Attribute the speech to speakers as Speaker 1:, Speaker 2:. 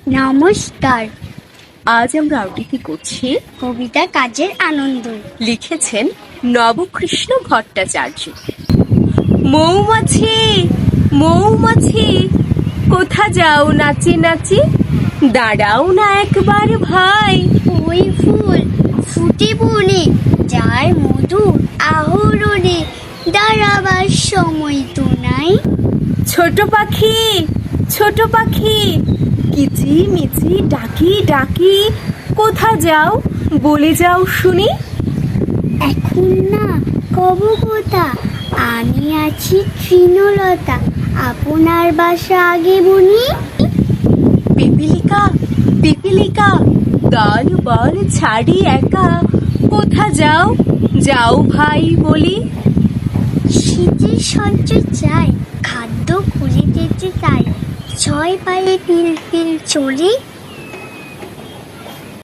Speaker 1: নমস্কার।
Speaker 2: আজ আমরা আবৃত্তি করছি
Speaker 1: কবিতা কাজের আনন্দ।
Speaker 2: লিখেছেন নবকৃষ্ণ ভট্টাচার্য। মৌমাছি মৌমাছি কোথা যাও নাচি নাচি, দাঁড়াও না একবার ভাই।
Speaker 1: ওই ফুল ফুটে বনে যায় মধু আহরণে, দাঁড়াবার সময় তো নাই।
Speaker 2: ছোট পাখি ছোট পাখি কিচি মিচি ডাকি ডাকি, কোথা যাও বলে যাও শুনি।
Speaker 1: এখন না কব কথা, আমি আছি তৃণলতা, আপনার বাসা আগে বনি।
Speaker 2: পিপিলিকা পিপিলিকা দল বল ছাড়ি একা, কোথা যাও যাও ভাই বলি।
Speaker 1: শীতের সঞ্চয় চাই, খাদ্য খুঁজে যেতে চাই, ছয় পায়ে পিল পিল চলে।